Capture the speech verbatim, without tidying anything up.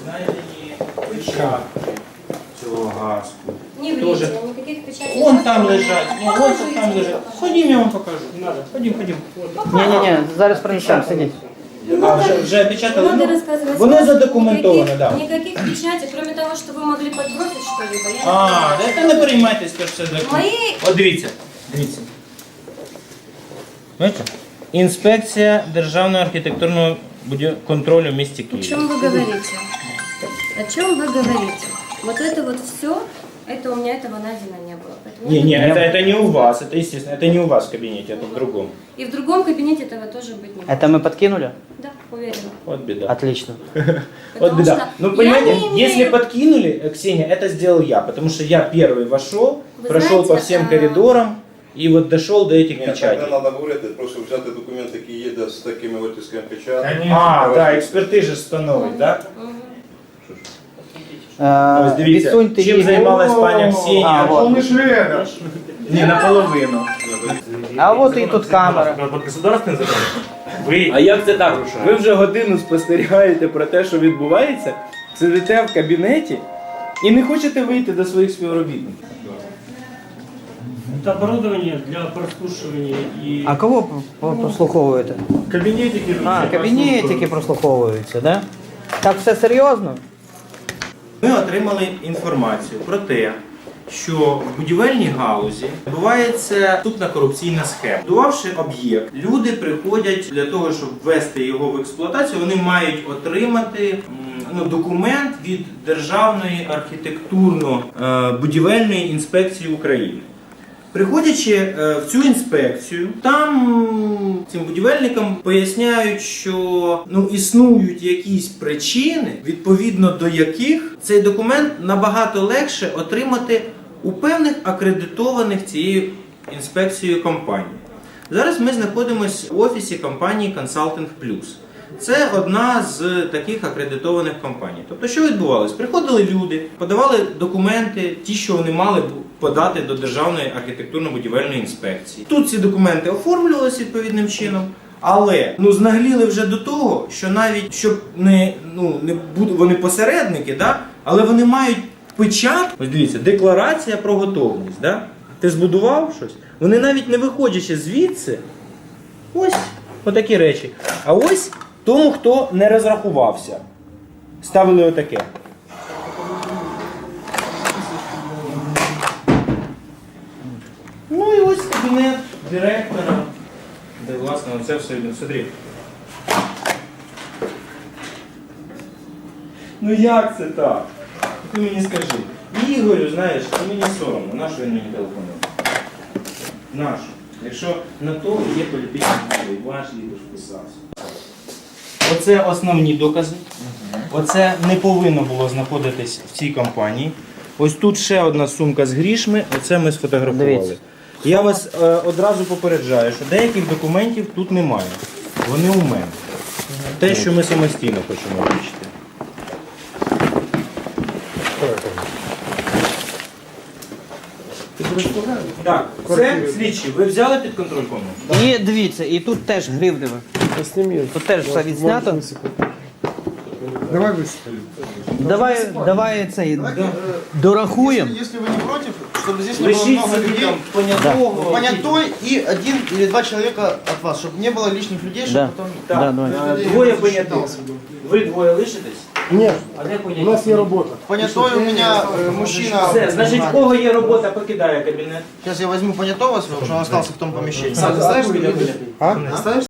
знайдені печатки цього газку. Не врите, никаких печатей. Вон там лежать, ну, вон там лежать. Ходім, я вам покажу. Не надо. Ходім, ходім. Ні-ні-ні, зараз принесемо, сидіть. А, вже, вже опечатали? Надо Ну, рассказывать. воно задокументовано, Никаких, да. никаких печатей, кроме того, что вы могли подбросить что-либо. Я не А, знаю. та не переймайтесь, то все документ. Мої- От дивіться, дивіться. Бачите? Інспекція Державного архітектурного будів- контролю в місті О Києві. чем вы говорите? О чем вы говорите? Вот это вот все, это у меня этого найдено не было. Поэтому Не, я- не, это, это не у вас, это естественно, это не у вас в кабинете, это в другом. И в другом кабинете этого тоже быть не может. Это мы подкинули? Да, уверена. Вот беда. Отлично. Вот Потому беда. что Ну, я понимаете, не имею- если подкинули, э, Ксения, это сделал я, потому что я первый вошел, Вы прошел знаете, по всем а- коридорам и вот дошел до этих Ні, так не печатей. треба говорити, просто взяти документ, який є де з такими оттисками печаток. А, да, експертиза встановить, да? Мгм. Е, Ось дивіться, відсуньте чим її. займалась пані А, Ксенія? вот. Не, наполовину. А от і тут камера. Под государственный закон. Вы... А як це так? Ви вже годину спостерігаєте про те, що відбувається, сидите в кабінеті і не хочете вийти до своїх співробітників. Это оборудование для прослушивания и... А кого про- прослуховуєте? Кабинетики. А, кабінетики прослуховуються, да? Так все серйозно? Ми отримали інформацію про те, що в будівельній галузі відбувається наступна корупційна схема. Будувавши об'єкт, люди приходять для того, щоб ввести його в експлуатацію, вони мають отримати м, ну, документ від Державної архітектурно-будівельної інспекції України. Приходячи е, в цю інспекцію, там цим будівельникам поясняють, що ну, існують якісь причини, відповідно до яких цей документ набагато легше отримати у певних акредитованих цією інспекцією компаній. Зараз ми знаходимося в офісі компанії Consulting Plus. Це одна з таких акредитованих компаній. Тобто, що відбувалося? Приходили люди, подавали документи, ті, що вони мали подати до Державної архітектурно-будівельної інспекції. Тут ці документи оформлювалися відповідним чином, але ну, знагліли вже до того, що навіть, щоб не, ну, не буду, вони посередники, да? Але вони мають печать. Ось дивіться, декларація про готовність. Да? Ти збудував щось? Вони навіть не виходячи звідси, ось отакі речі. А ось тому, хто не розрахувався, ставили отаке. Ну і ось кабінет директора, де власне це все видно. Смотри. Ну як це так? Ти мені скажи. Ігорю, знаєш, ти мені соромно, на що він мені телефонує? На що? Якщо на то є політичний вплив, ваш Ігор вписався. Оце основні докази. Оце не повинно було знаходитись в цій компанії. Ось тут ще одна сумка з грішми, оце ми сфотографували. Дивіться. Я вас е, одразу попереджаю, що деяких документів тут немає. Вони у мене. Те, що ми самостійно хочемо вивчити. Так, це слідчі. Ви взяли під контроль комнату? І дивіться, і тут теж гривневе. Тут теж все відснято. Давай высыпали. Давай, давай цей дорахуємо. Если вы не против, чтобы здесь не было Лишіть много собі людей, там понятого. понятой и один или два человека от вас, чтобы не было лишних людей, чтобы Да. потом... Да, давай. Е, Двоє понятих. Ви двоє лишитесь? Нет, А де поняття? у нас есть работа. Понятой у меня э, мужчина... Все, значить, в кого є робота, покидає кабінет. Сейчас я возьму понятого своего, потому что он остался в том помещении. Сам, ты знаешь, что... А? Оставишь?